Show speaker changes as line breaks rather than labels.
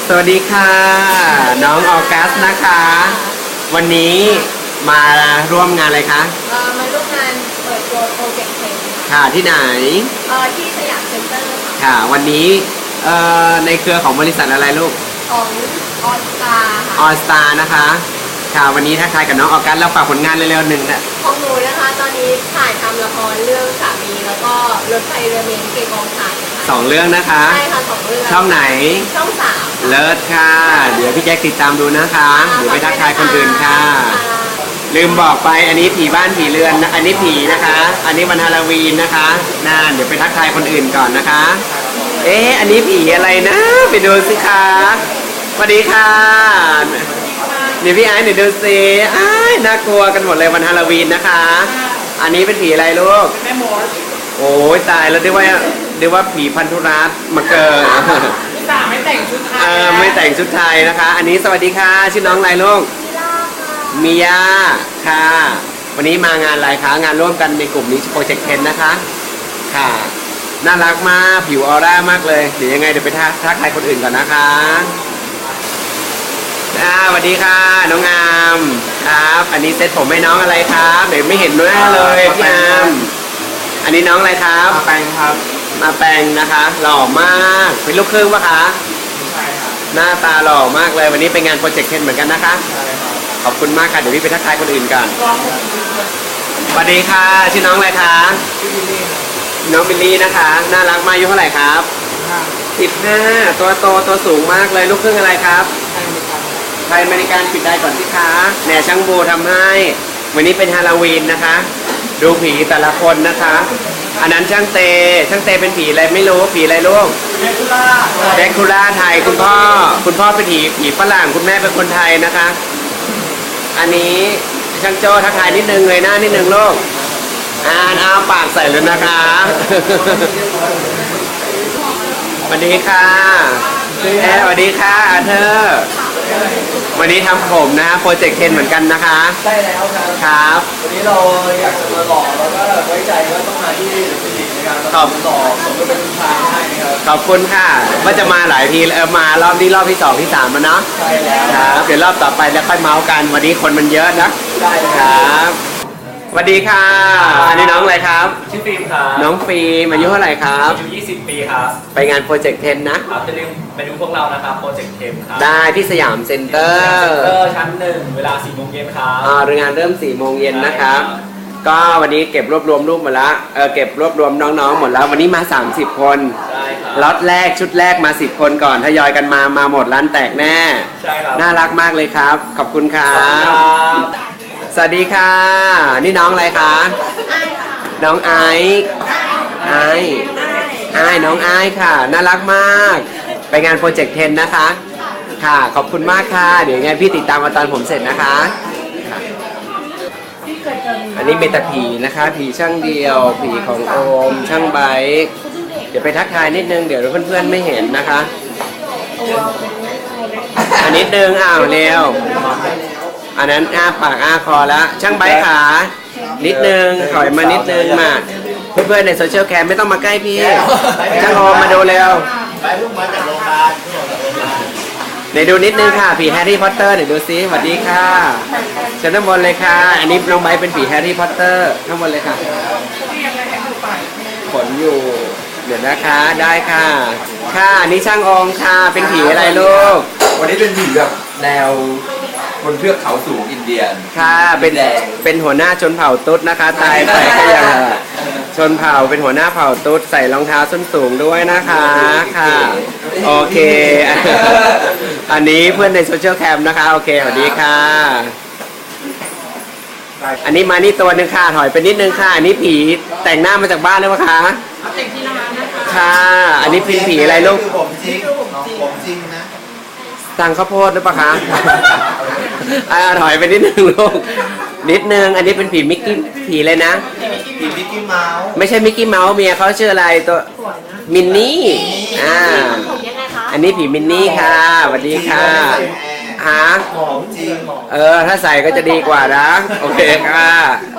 สวัสดีค่ะน้องออกัสนะคะ วันนี้มาร่วมงานอะไรคะ
มาร่วมงานเปิดตัวโปรเจกต์เพลง
ค่ะที่ไหน
ที่สยามเซ็นเตอร์
ค่ะวันนี้ในเครือของบริษัทอะไรลูก
ของออสตา
ออสตานะคะค่ะวันนี้ทักทายกับน้องออกัสแล้วฝากผลงานเร็วๆหนึ่งนะ
ของหนูนะคะตอนนี้ถ่ายทำละครเรื่องสามีแล้วก็รถไฟเรือเมนเกกองถ่าย
2 เรื่องนะคะ
ใช่ค่ะ2 เรื่อง
ช่องไหน
ช่อง 3
เลิศค่ะเดี๋ยวพี่แจ็คติดตามดูนะคะเดี๋ยวไปทักทายคนอื่นค่ะลืมบอกไปอันนี้ผีบ้านผีเรือนอันนี้ผีนะคะอันนี้วันฮาโลวีนนะคะน่าเดี๋ยวไปทักทายคนอื่นก่อนนะคะอันนี้ผีอะไรนะไปดูสิคะสวัสดีค่ะเดี๋ยวพี่ไอ้หนูดูสิน่ากลัวกันหมดเลยวันฮาโลวีนนะคะอันนี้เป็นผีอะไรลูกแม่มดโอ้ยตายแล้วเรียกว่าผีพันธุรัตน์มาเกิด
ไม่แต่งชุดไทย
ไม่แต่งชุดไทยนะคะ อันนี้สวัสดีค่ะชื่อน้องอะไรลูกมิยาค่ะวันนี้มางานอะไรคะงานร่วมกันในกลุ่มนี้โปรเจกต์10นะคะค่ะน่ารักมากผิวออร่ามากเลยเดี๋ยวยังไงเดี๋ยวไปทักทายคนอื่นก่อนนะคะสวัสดีค่ะน้องอามครับอันนี้เซ็ตผมให้น้องอะไรครับเดี๋ยวไม่เห็นหน้าเลยพี่อามอันนี้น้องอะไรครับ
มาแปลงครับ
มาแปลงนะคะหล่อมากเป็นลูกครึ่งปะคะ
ใช่ครับ
หน้าตาหล่อมากเลยวันนี้เป็นงานโปรเจกต์10เหมือนกันนะคะ
ใช่ครับ
ขอบคุณมากค่ะเดี๋ยวพี่ไปทักทายคนอื่นกันสวัสดีค่ะชื่อน้องอะไรคะ
ชื่อบิลลี่
น้องบิลลี่นะคะน่ารักมากอายุเท่าไหร่ครับ15ตัวโตตัวสูงมากเลยลูกครึ่งอะไรครับไทยอเมริกันปิดได้ก่อนสิคะแหน่ช่างบูทำให้วันนี้เป็นฮาโลวีนนะคะดูผีแต่ละคนนะคะอันนั้นช่างเตเป็นผีอะไรไม่รู้ผีอะไรลูกแดคูล่าไทยคุณพ่อเป็นผีฝรั่งคุณแม่เป็นคนไทยนะคะอันนี้ช่างโจ้ทักทายนิดนึงเลยหน้านิดนึงลูกอ้าปากใส่เลยนะคะสวัสดีค่ะสวัสดีค่ะเธอวันนี้ทำผมนะโปรเจกต์10เหมือนกันนะคะ
ใช่แล้ว
ครับ
วันนี้เราอยากจะมาหล่อแล้วก็ไว้ใจว่าต้องมาที่ฟิลิปในการหล่อสมกับเป็นผู้ชายให้นะครับ
ขอบคุณค่ะว่าจะมาหลายทีมารอบนี้รอบที่2ที่3แล้วเนาะ
ใช่แล้ว
ครับเดี๋ยวรอบต่อไปแล้วค่อยเมาส์กันวันนี้คนมันเยอะนะ
ได้
ครับสวัสดีค่ะอันนี้น้องอะไรครับ
ชื่อฟิล์มครับ
น้องฟิล์มอายุเท่าไหร่ครับ
อายุ20 ปีครับ
ไปงานโปรเจกต์10นะครับ
จะลืมไปดูพวกเรานะครับโปรเจกต์10ครับ
ได้ที่สยามเซ็นเตอร์
ชั้น1เวลา 4 โมงเย็นครับ
งานเริ่ม 4 โมงเย็นนะครับก็วันนี้เก็บรวบรวมรูปหมดแล้วเก็บรวบรวมน้องๆหมดแล้ววันนี้มา30 คน
ใช่ครับ
ล็อตแรกชุดแรกมา10 คนก่อนทยอยกันมาหมดร้านแตกแน่
ใช่ครับ
น่ารักมากเลยครับขอบคุณครับสวัสดีค่ะนี่น้องอะไรคะน้องไอน้องไอค่ะน่ารักมากไปงานโปรเจกต์10นะคะค่ะขอบคุณมากค่ะเดี๋ยวยังไงพี่ติดตามมาตอนผมเสร็จนะคะอันนี้เมตาผีนะคะผีช่างเดียวผีของโอมช่างไบเดี๋ยวไปทักทายนิดนึงเดี๋ยวเพื่อนๆไม่เห็นนะคะอันนิดนึงเร็วอันนั้นปากคอแล้วช่างไบขานิดนึงถอยมานิดนึงมาเพื่อนๆในโซเชียลแคมไม่ต้องมาใกล้พี่ช่างโอมมาดูเร็ว
ไปเพิ่งมาจากโรงพยาบาล
เดี๋ยวดูนิดนึงค่ะผีแฮร์รี่พอตเตอร์เดี๋ยวดูซิสวัสดีค่ะเชิญข้างบนเลยค่ะอันนี้น้องไบร์ทเป็นผีแฮร์รี่พอตเตอร์ข้างบนเลยค่ะขนอยู่เดี๋ยวนะคะได้ค่ะค่ะอันนี้ช่างองค่ะเป็นผีอะไรลูก
วันนี้เป็นผีแบบแนวบนเทือกเขาสูงอินเดียน
ค่ะเป็นหัวหน้าชนเผ่าตุ๊ดนะคะตายไปก็ยังชนเผ่าเป็นหัวหน้าเผ่าตุ๊ดใส่รองเท้าส้นสูงด้วยนะคะค่ะโอเคอันนี้เพื่อนในโซเชียลแคมนะคะโอเคสวัสดีค่ะอันนี้มานี่ตัวนึงค่ะถอยไปนิดนึงค่ะอันนี้ผีแต่งหน้ามาจากบ้านหรือเปล่าคะ
แต่งที่ร้านนะคะ
ค่ะอันนี้เป็นผีอะไรลูก
ผมจริงนะ
สั่งข้าวโพดหรือเปล่าคะถอยไปนิดนึงลูกนิดนึงอันนี้เป็นผีมิกกี้ผีเลยนะ
ผีมิกกี้เมาส์
ไม่ใช่มิกกี้เมาส์เมียเขาชื่ออะไรตัวมินนี่อันนี้ผีมินนี่ค่ะสวัสดีค่ะ
หอมจริง
ถ้าใส่ก็จะดีกว่านะโอเคค่ะ